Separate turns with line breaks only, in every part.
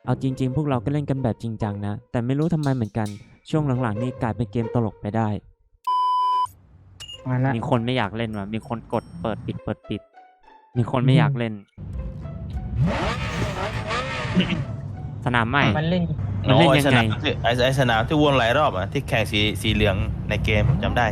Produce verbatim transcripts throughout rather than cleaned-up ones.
เอาจริงๆพวกเราก็เล่นกันแบบจริงจังนะแต่ไม่รู้ทำไมเหมือนกันช่วงหลังๆนี่กลายเป็นเกมตลกไปได้
มาละ
มีคนไม่อยากเล่นว่ะมีคนกดเปิดปิดเปิดปิดมีคนไม่อยากเล่น สนามใหม่
มันเล่น
มันเล่นยังไง
ไอ้ไอ้สนามที่วนหลายรอบอ่ะที่แข่งสีสีเหลืองในเกมจำได้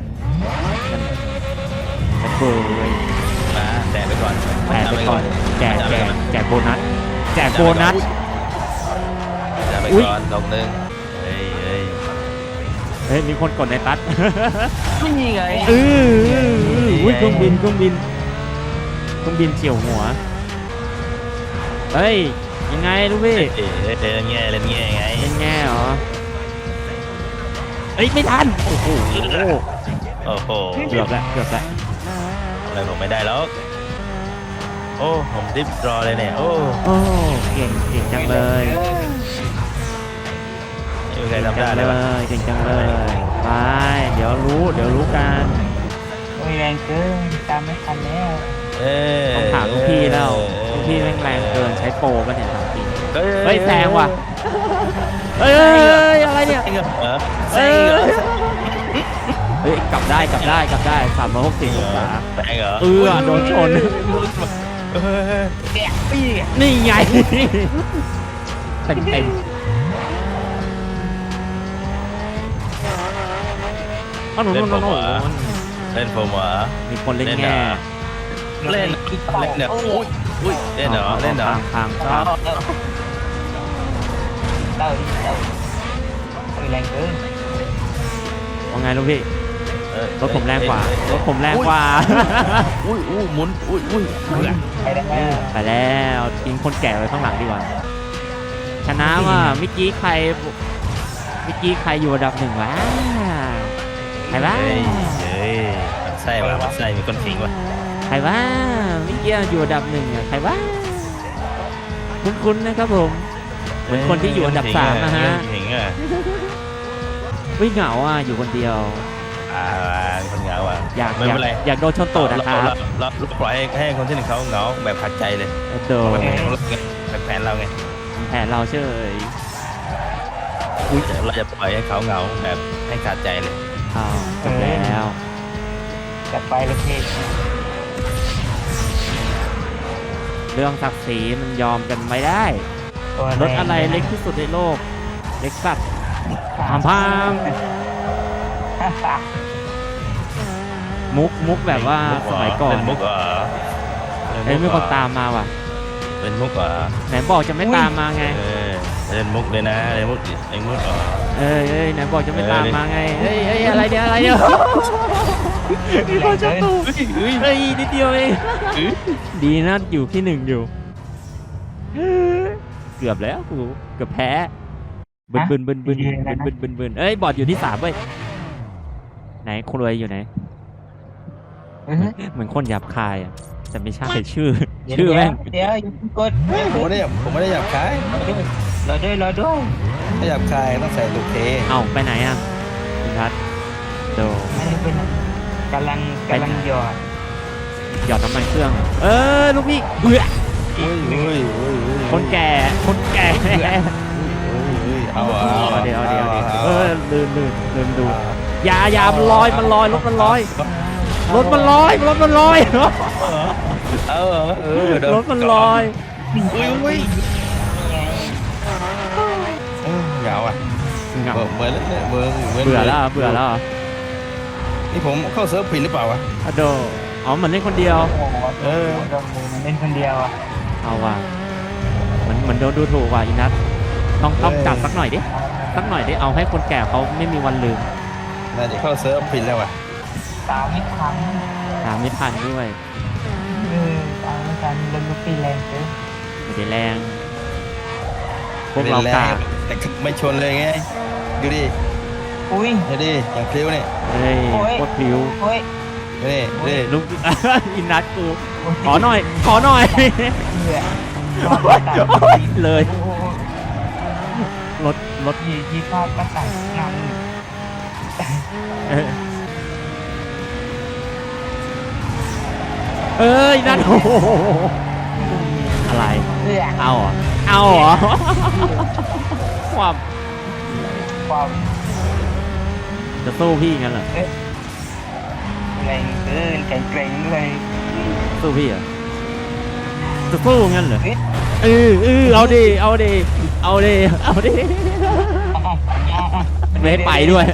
กระเบย
นะแต่ไปก่อน
แจกไปก่อนแจกแจกแจกโบนัสแจกโบนัส
จะไป
อุ๊ย
ก่อนดอกหนึ่งเฮ้ยเฮ้ย
เฮ้ยมีคนกดในตัด
ไม่มีไง
เอออุ้ยเครื่องบินเครื่องบินเครื่องบินเฉียวหัวเฮ้ยยังไงลูกพี่
เอ๊ะเล่นแง่เล่นแง่ไง
เป็นแง่เหรอเอ้ยไม่ทันโอ้โห
โอ้โห
เกือบแล้วเกือบแล้ว
อะไรผมไม่ได้แล้วโอ้ผมดิฟรอเลยเนี่ยโอ้
โอ้เก่งเก่งจังเลย
ไม่มีใคร
เก่ง
ทำได้
จัง
เล
เลย
วะ
ยเก่งจังเลยไปเดี๋ยวรู้เดี๋ยวรู้กัน
โอ้ยแรงเกินตามไม่ทันแล้ว
เอ้ย
ต้องถามลูกพี่แล้วลูกพี่แรงแรงเกินใช้โปรป่ะเนี่ยถามจริง
เฮ้ย
เฮ้ยแซงว่ะเฮ้ยเฮ้ยเฮ้ยอะไรเนี่ย
แซงเหรอแซ
เอ้
งเหรอย
เฮ้ยกลับได้กลับได้กลับได้สามร้อยหกสิบองศา
แซงเหรอ
เออโดนชน
เฮ้ย
แกะปี้
นี่ไงเต็มเต็มอ๋อหนู
เล่
ห
น
นู
ผม
หนู
เหรอเล่นผมเหรอ
มีคนเล่น
เล่น
แง่
เหรอ เล่นเล่นเนี่ยอุ้ยอุ้ยเล่นเหรอเล่นเหรอ
ทางทาง
เต่าดิเต่าโอ้ยแรงเกิน
ว่าไงลูกพี่
เออ
รถผมแรงกว่า
เอ้ย
รถผมแรงกว่า
อุ้ยอุ้ยหมุนอุ้ยอุ้ยเบื่อ
ไปได้แล้ว
ไปแล้วทิ้งคนแก่ไว้ข้างหลังดีกว่า ชนะว่ะเมื่อกี้ใครเมื่อกี้ใครอยู่อันดับหนึ่งวะใครวะ
เฮ้ยเฮ้ยมันไส้ว่ะมันไส้มีคนขิงว่ะ
ใครวะเมื่อกี้อยู่อันดับหนึ่งอะใครวะคุ้นๆนะครับผมเหมือนคนที่อยู่อันดับสามนะฮะ
ขิงอ่ะ
วิ่งเหงาอ่ะอยู่คนเดียว
อ่าคนเหงาอ่ะ
อยาก
ไม่
อยาก
เป็นไร
อยากโดนชนตูดนะครับ
เราเราเราปล่อยให้ให้คนที่หนึ่งเขาเหงาแบบขัดใจเลย
โดน
แบบแผนเราไง
แผนเราเฉย
อุ้ยเราจะปล่อยให้เขาเหงาแบบให้ขาดใจเลย
อ้าวจบแล้ว
จัดไปเลยพี่
เรื่องศักดิ์ศรีมันยอมกันไม่ได้
ตัวแง
รถอะไรเล็กที่สุดในโลก เล็กสัตว์ พามพาม มุกมุกแบบว่าสมัยก่อน
เป็นมุกเหรอ
เอ้ยมีคนตามมาว่ะ
เป็นมุกเหรอ
ไหนบอกจะไม่ตามมาไง
เออเล่นมุกเลยนะเล่นมุกเล่นมุกเหรอ
เอ้ยเอ้ยไหนบอกจะไม่ตาม
เออ
มาไงเฮ้ยเฮ้ยอะไรเนี่ยอะไรเนี่ยมีคนชนตูด
เฮ้ยเฮ้ย
เฮ้ยนิดเดียวเองดีนะอยู่ที่หนึ่งอยู่ เกือบแล้วกูเกือบแพ้บึนบึนบึนบึนบึนบึนบึนบึนเอ้ยบอดอยู่ที่สามเว้ยไหนคนรวยอยู่ไหน
อื้อหือ
เหมือนคนหยาบคายอ่ะแต่ไม่ใช่ชื่อ
เดี๋ยว
ชื่อแม่ง
เดี๋ยวอย่าเพิ่งกด
ผมไม่ได้ผมไม่ได้หยาบคาย
รอด้วยรอด้วย
ไม่หยาบคายต้องใส่ลูกเค
เอ้าไปไหนอ่ะคุณทัศน์โด
ไม่ได้เป็นกำลังกำลังหยอด
หยอดน้ำมันเครื่อง เออลูกพี่เบื่อ
อุ้ยอุ้ยอุ้ยอุ้ย
คนแก่คนแก่
เอา
เอาเดี๋ยวเอาเดี๋ยวเอาเดี๋ยวเออลืมลืมลืมดูอยาอยามันลอยมันลอยรถมันลอยรถมันลอยรถมันลอย
เออเออ
รถมันลอย
อุ้ยอุ้ย
นี่ไง
เหงาอ่ะ
เหงา
เหมือนเหมือนเหมือน
เบื่อแล้วเบื่อแล้ว
นี่ผมเข้าเซิร์ฟผิดหรือเปล่าวะ
อะโดอ๋อเหมือนเล่นคนเดียว
โอ้โห
เออ
โดนมือมันเล่นคนเดียวอ่ะ
เอาว่ะเหมือนเหมือนโดนดูถูกว่ะอีนัทต้องต้องจับสักหน่อยดิสักหน่อยดิเอาให้คนแก่เขาไม่มีวันลืม
น่าจะเข้าเซิร์ฟผิดแล้วว่ะ
ตามไม่ทัน
ตามไม่ทันด้วย
เออตามไม่ทันรถลูกพี่แรงเกิน
ไม่ได้แรง พวกเรากา
แต่ไม่ชนเลยไงดูดิ
อุ้ย
ดูดิอย่างพลิ้วเนี่ย
เฮ้ย
โอ้ย
โคตรพลิ้ว
โอ้ย
ดูดิดูดิ
ลูก อินนัทกูขอหน่อย ขอหน่อย
เหนื่อย
เลย
โอ้โห
รถรถ
ยีที่พลาดก็ตัดงาน
เออเอ้ยนัทโอ้โหอะไร
เอื้อ
เอาเหรอเอาเอาเหรอความ
ความ
จะสู้พี่งั้นเหรอ
แรงเกินแข็งแกร่งเลย
สู้พี่เหรอจะสู้งั้นเหรอ
เอ๊ะ
เออเออเอาดิเอาดิเอาดิเอาดิ
อ๋ออ๋ออ๋อ
ไม่ให้ไปด้วย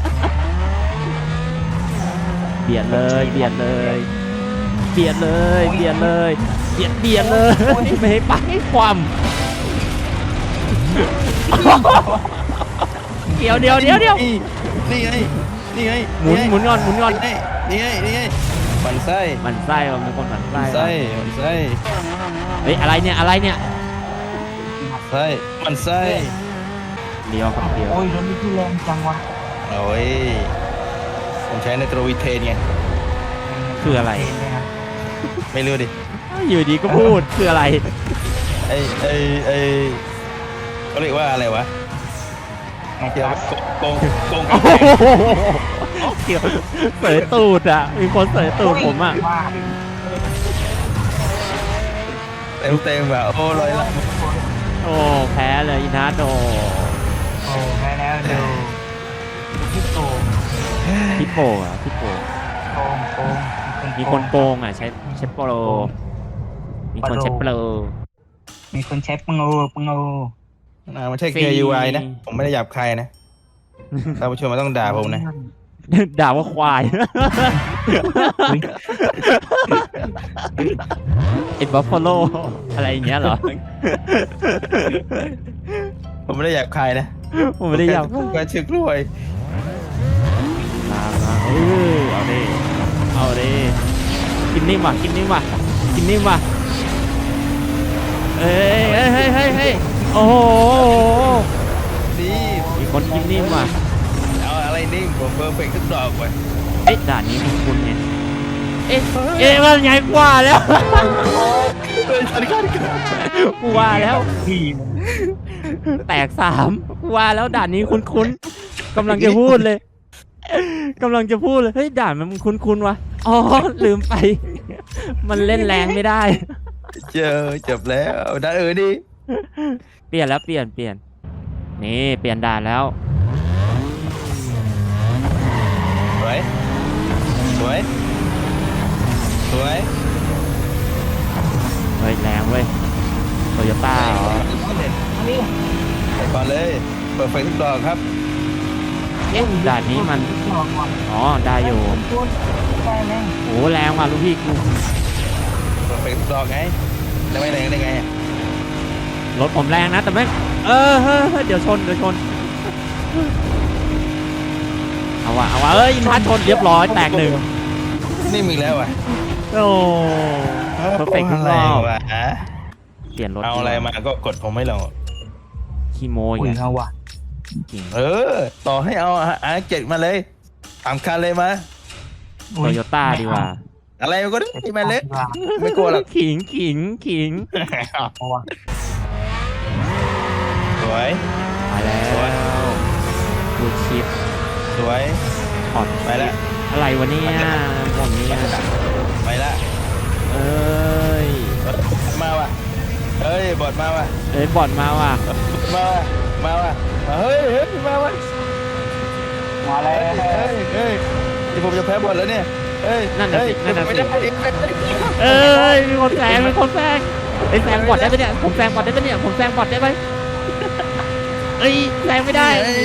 เบียดเลยเบียดเลยเบียดเลยเบียดเลยเบียดเบียดเลยไม่ให้ไปความเดี๋ยวเดี๋ยวเดี๋ยวเดี๋ยว
นี่ไงนี่ไง
หมุนหมุนก่อนหมุนก่อน
นี่ไงนี่ไงมันไส้
มันไส้ว่ะมันคนมันไส้
มันไส้
ว่ะ
มันไส้
เฮ้ยอะไรเนี่ยอะไรเนี่ย
ไส้มันไส้
เดียวครับเดียว
โอ้ยรถนี่ที่แรงจังวะ
โอ้ยผมใช้ในโตรวิเทนไง
คืออะไร
เนี่ยนะ
ไม่รู้ดิ
อยู่ดีก็พูดคืออะไร
ไอไอไอเขาเรียกว่าอะไรวะ
ไม่
เกี่ยว
ครั
กั
บบ
โกงโกง
โอ้โหเกี่ยวเสยตูดอ่ะมีคนเสยตูดผมอ่ะ
ว่า
เต็มเต็มแบบโอ้ลอยละ
โอ้แพ้เลยอินาโด
โอ้แม่แล้วดูพี่โกง
พี่โปอ่ะพี่โป
โกงโกง
มีคนโกงอ่ะใช้ใช้โปรมีคนใช้โปร
มีคนใช้ปังโอปังโอ
อ่าไม่ใช่ เค ยู ไอ นะ ผมไม่ได้หยาบใครนะท่านผู้ชมไม่ต้องด่าผมนะ
ด่าว่าควาย
อุ๊ย
เอ็ดบัฟฟาโลอะไรอย่างเงี้ยเหรอ
ผมไม่ได้หยาบใครนะ
ผมไม่ได้อยาก
ผมแค่ชึกรวย
มามาเออเอาดิเอาดิกินนิ่มว่ะกินนิ่มว่ะกินนิ่มว่ะเอ้ยเฮ้ยเฮ้ยเฮ้ยเฮ้ยโอ้โห
นี่
มีคนกินนิ่มว่ะ
เอาอะไรนิ่งผมเพอร์เฟกต์ทุกดอกไป
เอ๊ะด่านนี้มันคุ้นไงเอ๊ะเอ๊ะมันใหญ่กว่าแล้ว
เฮ้ยฉันกันกัน
กูว่าแล้ว
พี่
แตกสามกูว่าแล้วด่านนี้คุ้นๆกำลังจะพูดเลยกำลังจะพูดเลยเฮ้ยด่านมันคุ้นๆวะอ๋อลืมไป มันเล่นแรงไม่ได้
เจอจบแล้วด่าเออดิ
เปลี่ยนแล้วเปลี่ยนเปลี่ยนนี่เปลี่ยนด่านแล้ว
สวยสวยสวย
เฮ้ยแรงเว้ยโตโยต้าเหรอ
นี่
ไปก่อนเลยเปิดไฟทุกดอกครับ
เอ๊ะด่านนี้มัน
ลองก่อน
อ๋อได้อยู่
พูดได้ไหม
โอ้แรงว่ะลูกพี่กู
เปิดไฟทุกดอกไงจะไม่แรงได้ไง
รถผมแรงนะแต่ไม่เออเฮ้ยเฮ้ยเดี๋ยวชนเดี๋ยวชนเอาวะเอาวะเอ้ยอินทัชชนเรียบร้อยแตกหนึ่ง
นี่มึงแล้วอ่ะ
โอ้เพอร์เฟกต์ทุกรอบ
วะ
เปลี่ยนรถ
เอาอะไรมาก็กดผมไม่ลง
ขี้โมย
อุ้ย
ไง
เอาว่ะ
จริง
เออ ต่อให้เอาอาร์เจ็ดมาเลยสามคันเลยมา
โตโยต้าดีกว่า
อะไรก็ได้มาเลยไม่กลัวหรอก
ขิงขิงขิง
เอาว่ะ
สวย
ไปแล้วดูชิป
สวย
ถอด
ไปแล้ว
อะไรวะเนี่ยผมเนี่ย
ไปละ
เอ้ย
มาว่ะเฮ้ยบอดมาว่ะ
เอ้ยบอดมาว่ะ
มาว่ะมาว่ะเฮ้ยเฮ้ยมาว่ะ
มาแล้
เฮ้ยว เฮ้ยเฮ้ยที่ผมจะแพ้บอดแล้วเนี่ยเฮ้ย
นั่นน่ะ
เฮ้ย
สินั่นน่ะ
ไม่
สิ
ได้ไม่ได้
เอ้ยมีคนแซงมีคนแซงไอ้ยแซงบอดได้ปะเนี่ยผมแซงบอดได้ปะเนี่ยผมแซงบอดได้ไหมเอ้ยแซงไม่ได้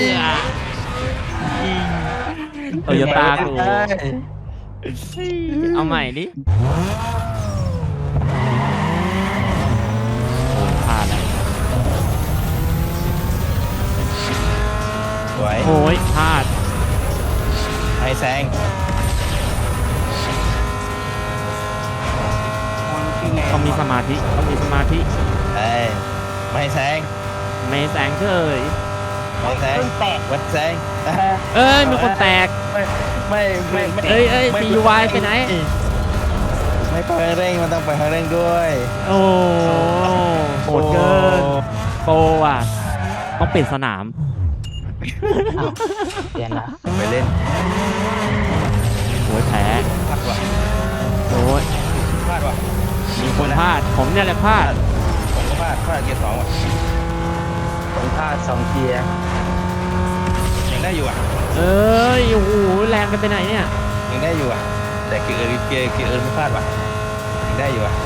โตโยต้ากูเอาใหม่ดิโอ้พลาดแล้ว
สวย
โอ้ยพลาด
ให้แซง
ต้องมีสมาธิต้องมีสมาธิ
เอ้ยไม่ให้แซง
ไม่แซงเฉย
ไม่แซง
แตก
วัดแซง
เอ้ยมีคนแตก
ไม่ไม่ไม่ไม่
เอ้ยเอ้ย
ไม่
ซี ยู วาย ไปไหน
ไม่ไปเร่งมันต้องไปเร่งด้วย
โอ้โหดเกินโปรอ่ะต้องปิดสนาม
เปลี่ยนละ
ไปเล่น
โอ้ยแพ้
พลาดว่ะ
โอ้ย
พลาดว่ะ
มีคนพลาดผมเนี่ยแหละพลาด
ผมก็พลาดพลาดเกียร์สองว่ะ
ผมพลาดสองเกียร์
ยังได้อยู่อ่ะ
เอ้ยโอ้โหแรงกันไปไหนเนี่ย
ยังได้อยู่อ่ะแต่เกียร์เอิร์เกียร์เกียร์เอิร์ไม่พลาดว่ะยังได้อยู่อ่ะ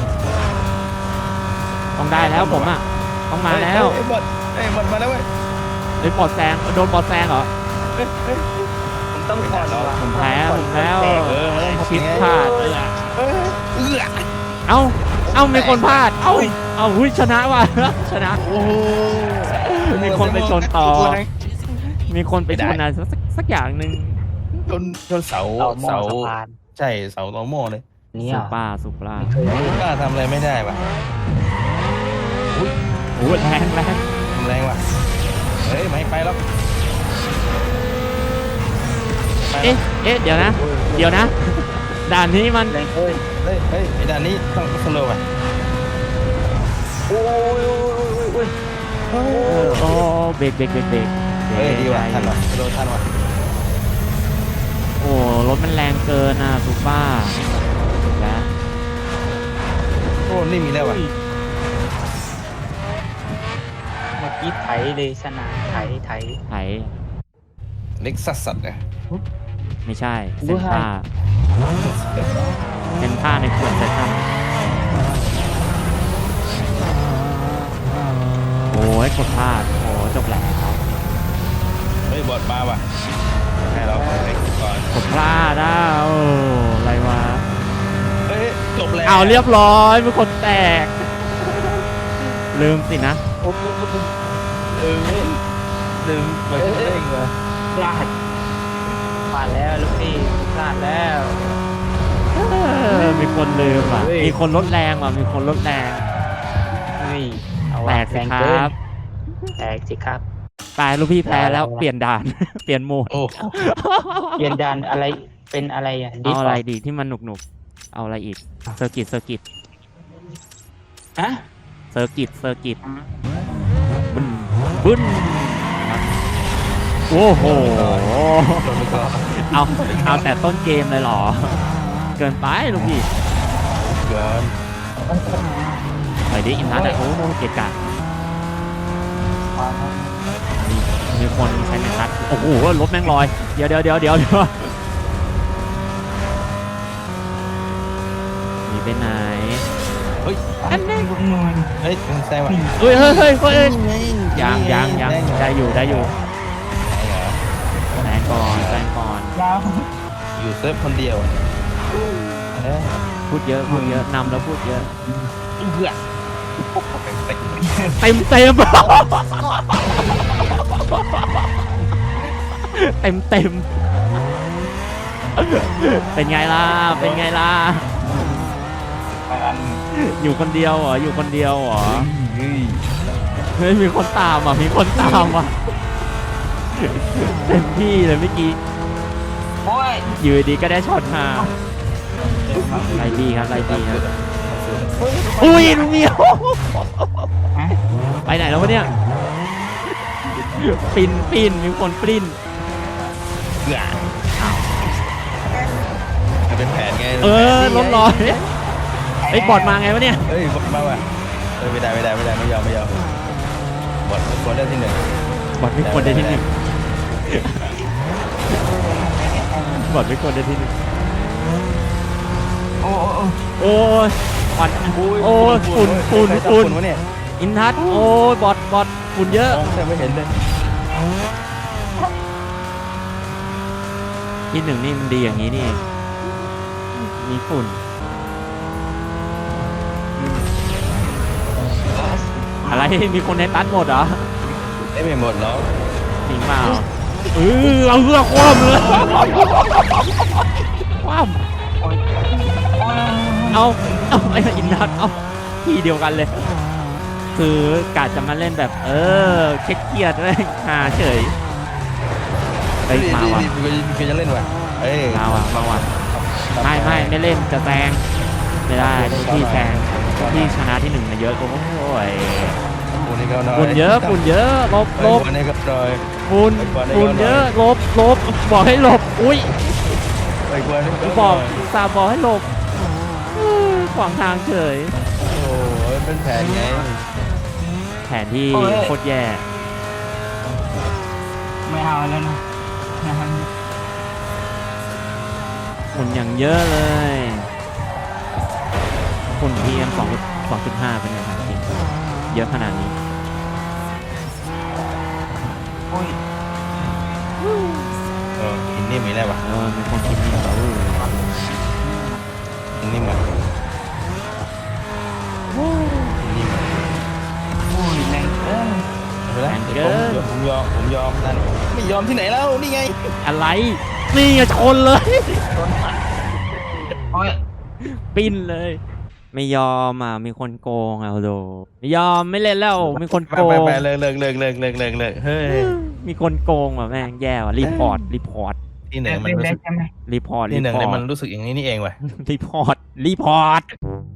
ต้องได้แล้วผมอ่ะต้องมาแล้ว
ไอ้บอดไอ้บอดมาแล้วเว้ย
เฮ้ยบอดแซงโดนบอดแซงเหรอ
ผมต้องผ่อนว่ะ
ผมแพ้ผมแล้ว
เออเออ
ชิดพลาด
เออเออ
เอ้าเอ้ามีคนพลาดเอ้าเอ้าหุ้ยชนะว่ะ ชนะ
โอ้โห
มีคนไปชนต่อ มีคนไปชนอะไรสักสักอย่างหนึ่ง
ชนชนเสา
เอาหม้อ
เสา
สะพาน
ใช่เสาตอโม่เลย
นี่
สุ
อ่ะ
ปราสุปรา
ไม่เคยเล่น
กล้าทำอะไรไม่ได้ว่ะ
โอ้ยแรงแรง
ทำแรงว่ะเฮ้ยไม่ไปแล้วไปแล้
เอ๊ะ
ว
เอ๊ะเดี๋ยวนะ เดี๋ยวนะ ด่านนี้มัน
แรงเอ้ย
เฮ้ยเฮ้ยไอ้ด่านนี้ต้องสโลว์ว่ะ
โอ้ยโอ้ยโอ้ยโอ้ย
เออโอ้เบรกเบรกเบรกเบรก
เฮ้ยดีว่ะทันว่ะสโลว์ทันว่ะ
โอ้รถมันแรงเกินอ่ะสุปราแล้ว
โอ้นี่มีแล้วว่ะ
เมื่อกี้ไถเลยชนะไถไถ
ไถ
เล็กซัสสัตว์เนี่ย
ไม่ใช่เซนท่าเซนท่าในขวดเซนท่าโอ้ยกดพลาดโอ้จบแล้ว
เฮ้ยบอดมาว่ะให้เราไปก่อน
กดพลาดอ่ะโอ้อะไรวะ
เฮ้ยจบแล้ว
เอาเรียบร้อยมีคนแตก ลืมสินะ
โอ้ย
เออลืมไปเร่งว่ะ
พลาดพลาดแล้วลูกพี่พลาดแล้ว
เออมีคนลืมอ่ะ
เฮ้ย
มีคนลดแรงว่ะมีคนลดแรง
เฮ้ยเอา
แต
ว่ะ
กสิ
แรง
ค
เกิ
รั
น
บ
แตกสิครับ
ตายลูกพี่แพ้แล้ว
เอาละ
เปลี่ยนด่าน เปลี่ยนโหมด
โอ้
เปลี่ยนดานอะไรเป็นอะไรอ่ะดิ
เอา
ฟ
อะไรดีที่มันหนุกหนุกๆเอาอะไรอีกเซอร์กิตเซอร์กิต
ฮะ
เซอร์กิตเซอร์กิตบึ้นบึ้นโอ้โห
โดนไปก่อน
เอาเอาแต่ต้นเกมเลยเหรอ เกินไปลูกพี่
เกิน
หน่อยดิอินทัศน์อ่ะโอ้โหเกะกะมีมีคนใช้เมทัศน์โอ้โหรถแม่งลอย เดี๋ยวเดี๋ยวเดี๋ยวเดี๋ยวเดี๋ยวหนีไปไหน
เฮ้ย
อันนี้
เฮ้ยมึงแซงว่ะ
เฮ้ยเฮ้ยเฮ้ยเฮ้ยยังยังยังได้อยู่ได้อยู่
เหรอ
แซงก่อนแซงก่อน
ยาว
อยู่เซิร์ฟคนเดียวอะเอ้ย
พูดเยอะพูดเยอะนำแล้วพูดเยอะ
เพื่อ
เต็มเต็มเต็มเต็มเป็นไงล่ะเป็นไงล่ะอยู่คนเดียวเหรออยู่คนเดียวเหรอ
เฮ้ย
เฮ้ยมีคนตามอ่ะมีคนตามอ่ะเต็มที่เลยเมื่อกี้
โอ้ย
อยู่ดีก็ได้ช็อตมาไล่ดีครับไล่ดีครับอุ้ยลุงเมียวไปไหนแล้ววะเนี่ยปินปินมีคนปริ้น
เพื่อมันเป็นแผนไง
เออรถลอยไอ้ยบอดมาไงวะเนี่ย
เฮ้ยบอดมาว่ะเฮ้ยไม่ได้ไม่ได้ไม่ได้ไม่ยอมไม่ยอมบอดบอดได้ที่หนึ่ง
บอดไม่ควรได้ที่หนึ่งบอดไม่ควรได้ที่หนึ่ง
โอ้โอ้โอ้
โอ้ยควันโอ้ยฝุ่นฝุ่น
ใครทำ
ฝุ่น
วะเนี่ย
อินทัศน์โอ้ยบอดบอดฝุ่นเยอะ
มองแทบไม่เห็นเลย
ที่หนึ่งนี่มันดีอย่างนี้นี่เองมีฝุ่นอะไรมีคนในตัดหมดเหรอ
ได้ไม่หมดหรอก
จริงเปล่าเออเอาเรือคว่ำเลยคว่ำเอาเอาไอ้อินทัศน์เอาที่เดียวกันเลย คือกาจะมาเล่นแบบ เออเครียดๆเลยหาเฉยไปมาว่ะ
มีมีจะเล่นว่ะเอ้ย
มาว่ะมาว่ะไม่ไม่ไม่เล่นจะแซงไม่ได้พี่แซงพี่ชนะที่หนึ่งมาเยอะโอ้ย
ฝุ่นนี่ก็น้อย
ฝุ่นเยอะฝุ่นเยอะลบลบ
ฝุ่นนี่ก็น้อย
ฝุ่นฝุ่นเยอะลบลบบอกให้หลบอุ้ย
ไอ้กวนนี่ก็
บอกสาบอกให้หลบเออขวางทางเฉย
โอ้โหเป็นแผนไง
แผนที่โคตรแย่
ไม่เอาแล้วนะนะครับ
ฝุ่นอย่างเยอะเลยฝุ่น พี เอ็ม สอง สองจุดห้าเป็นไงครับจริงเยอะขนาดนี้
โอ้ย
เออกินนิ่มอีกแล้ววะ
เออมีคนคิดนี่เรา
กินนิ่มอ่ะกินนิ่มอ่ะ
โอ้ยแรงเกิน
เดี๋ยวผมยอมผมยอมนั่นไม่ยอมที่ไหนแล้วนี่ไง
อะไรนี่ไงชนเลย
โดนตัดโอ้ย
ปิ้นเลย ไม่ยอมอ่ะมีคนโกงเอาโดไม่ยอมไม่เล่นแล้วมีคน
ไป
โก
ไป
ง
ไปเลิกเลิกเลิกเลิกเลิกเลิกเลิกเฮ้ย
มีคนโกงอ่ะแม่งแย่ว่ะรีพอร์ตรีพอร์ต
ที่หนึ่งมัน
เล่น
รู้
ได้
สึก
ใช่ไหม
รีพอร์ต
ที่
รี
หนึ่ง
พอ
เนี่ย
ร์
มัน
ต
รู้สึกอย่างนี้นี่เองว่ะ
รีพอร์ตรีพอร์ต